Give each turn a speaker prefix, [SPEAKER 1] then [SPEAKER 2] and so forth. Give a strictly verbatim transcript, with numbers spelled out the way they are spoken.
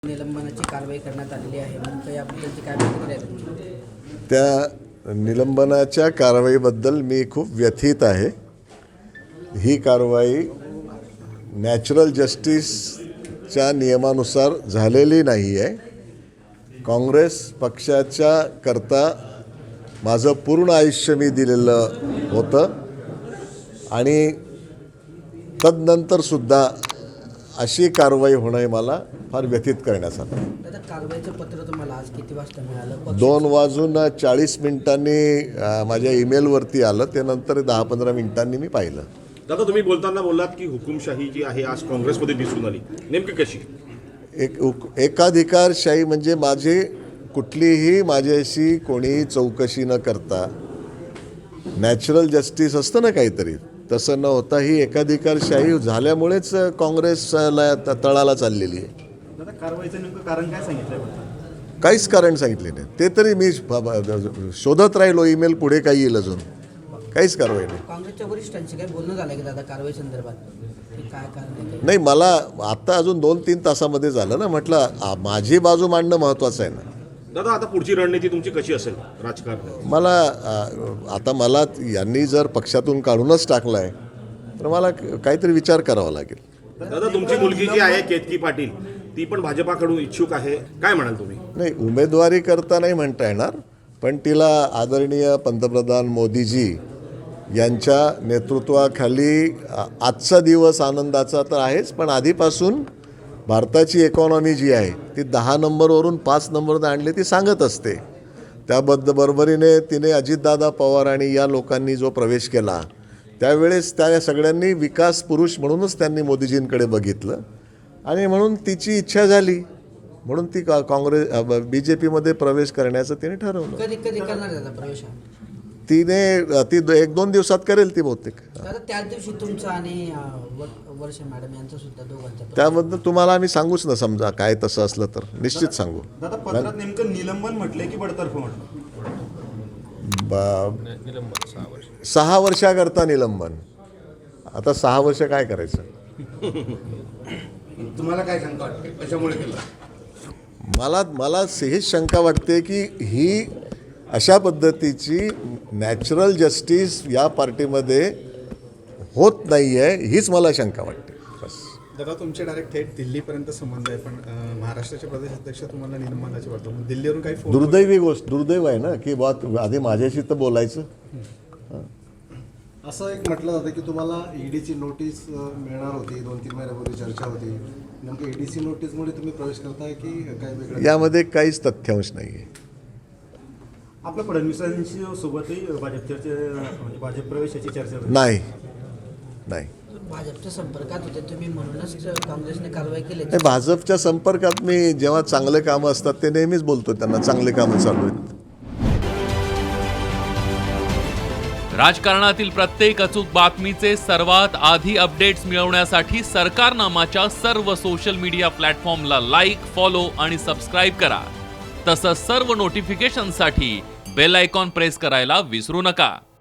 [SPEAKER 1] निलंबनाची कारवाई करण्यात आलेली आहे. नेमकं याबद्दलची काय प्रतिक्रिया आहे तुमची?
[SPEAKER 2] त्या निलंबनाच्या कारवाईबद्दल मी खूप व्यथित आहे. ही कारवाई नॅचरल जस्टिसच्या नियमानुसार झालेली नाही आहे. काँग्रेस पक्षाच्या करता माझं पूर्ण आयुष्य मी दिलेलं होतं आणि तदनंतरसुद्धा अशी कारवाई होणं हे मला फार व्यथित करण्यासारखं.
[SPEAKER 1] दादा, कारवाईचं पत्र तुम्हाला आज किती वाजता मिळालं?
[SPEAKER 2] दोन वाजून चाळीस मिनिटांनी अ, माझ्या ईमेलवरती आलं. त्यानंतर दहा पंधरा मिनिटांनी मी पाहिलं.
[SPEAKER 3] दादा, तुम्ही बोलताना बोललात की हुकुमशाही जी आहे आज काँग्रेसमध्ये दिसून आली, नेमकी कशी?
[SPEAKER 2] एक उक- एकाधिकारशाही म्हणजे माझी कुठलीही माझ्याशी कोणी चौकशी न करता नॅचरल जस्टिस असतं ना काहीतरी, तसं न होता ही एकाधिकारशाही झाल्यामुळेच काँग्रेसला त- तळाला चाललेली आहे.
[SPEAKER 4] दादा, कारवाईचं नेमकं कारण काय सांगितलंय बरं?
[SPEAKER 2] काहीच कारण सांगितले नाही. ते तरी मी ब- ब- शोधत राहिलो ईमेल पुढे काही येईल अजून. काहीच कारवाई नाही.
[SPEAKER 1] काँग्रेसच्या वरिष्ठांशी काय बोलणं झालं की दादा कारवाई संदर्भात की काय कारण आहे?
[SPEAKER 2] नाही, मला आता अजून दोन तीन तासामध्ये झालं ना. म्हटलं आ, माझी बाजू मांडणं महत्त्वाचं आहे ना.
[SPEAKER 3] दादा, आता पुढची रणनीती तुमची कशी असेल राजकारणात?
[SPEAKER 2] मला आ, आता मला यांनी जर पक्षातून काढूनच टाकलं आहे तर मला क- काहीतरी विचार करावा लागेल.
[SPEAKER 3] दादा, तुमची मुलगी जी आहे केतकी पाटील, ती पण भाजपाकडून इच्छुक आहे, काय म्हणाल तुम्ही?
[SPEAKER 2] नाही, उमेदवारी करता नाही म्हणता येणार, पण तिला आदरणीय पंतप्रधान मोदीजी यांच्या नेतृत्वाखाली आ, आजचा दिवस आनंदाचा तर आहेच, पण आधीपासून भारताची इकॉनॉमी जी आहे ती दहा नंबरवरून पाच नंबरवर आणली ती सांगत असते. त्याबद्दल बरोबरीने तिने अजितदादा पवार आणि या लोकांनी जो प्रवेश केला त्यावेळेस त्या सगळ्यांनी विकास पुरुष म्हणूनच त्यांनी मोदीजींकडे बघितलं आणि म्हणून तिची इच्छा झाली म्हणून ती का काँग्रेस बी जे पीमध्ये प्रवेश करण्याचं तिने ठरवलं.
[SPEAKER 1] कधी कधी करणार दादा प्रवेश हा?
[SPEAKER 2] तिने ती दो- एक दोन दिवसात करेल ती बहुतेक.
[SPEAKER 1] दादा, त्याच दिवशी तुमचं आणि अं, व- वर्ष मॅडम यांचं सुद्धा दोघांचं प्रवेश.
[SPEAKER 2] त्याबद्दल तुम्हाला आम्ही सांगूच ना, समजा काय तसं असलं तर निश्चित सांगू.
[SPEAKER 4] दादा, पत्रात नेमकं निलंबन म्हटलंय की बडतर्फ म्हटलं?
[SPEAKER 2] ब- सहा वर्षाकरता निलंबन. आता सहा वर्ष काय करायचं?
[SPEAKER 4] तुम्हाला काय शंका वाटते कशामुळे केलं?
[SPEAKER 2] मला मला हेच शंका वाटते की ही अशा पद्धतीची नॅचरल जस्टिस या पार्टीमध्ये होत नाही आहे, हीच मला शंका वाटते. बस.
[SPEAKER 5] दादा, तुमचे डायरेक्ट थेट दिल्लीपर्यंत संबंध आहे, पण अं, महाराष्ट्राचे प्रदेश अध्यक्ष तुम्हाला निलंबनाची वाटतं, मग दिल्लीवरून काही फोन?
[SPEAKER 2] दुर्दैवी गोष्ट दुर्दैव आहे ना की बा आधी माझ्याशी तर बोलायचं.
[SPEAKER 6] असं एक म्हटलं जातं की तुम्हाला ईडीची नोटीस अ, मिळणार होती, दोन तीन महिन्यापूर्वी चर्चा होती. नेमकं ईडीसी नोटीसमुळे तुम्ही प्रवेश करताय की काय वेगळं?
[SPEAKER 2] यामध्ये काहीच तथ्यांश नाही आहे.
[SPEAKER 4] आपल्या फडणवीसांशी सोबतही भाजप चर्चा म्हणजे भाजप प्रवेशाची चर्चा झाली.
[SPEAKER 2] नाही नाही
[SPEAKER 1] भाजपच्या संपर्कात होते तुम्ही म्हणूनच काँग्रेसने कारवाई केली.
[SPEAKER 2] नाही, भाजपच्या संपर्कात मी जेव्हा चांगले कामं असतात ते नेहमीच बोलतो त्यांना चांगले कामं चालू आहेत.
[SPEAKER 7] राजकारणातील प्रत्येक अचूक बातमीचे सर्वात आधी अपडेट्स मिळवण्यासाठी सरकारनामाच्या सर्व सोशल मीडिया प्लॅटफॉर्मला लाईक, फॉलो आणि सबस्क्राईब करा. तसंच सर्व नोटिफिकेशनसाठी बेल आयकॉन प्रेस करायला विसरू नका.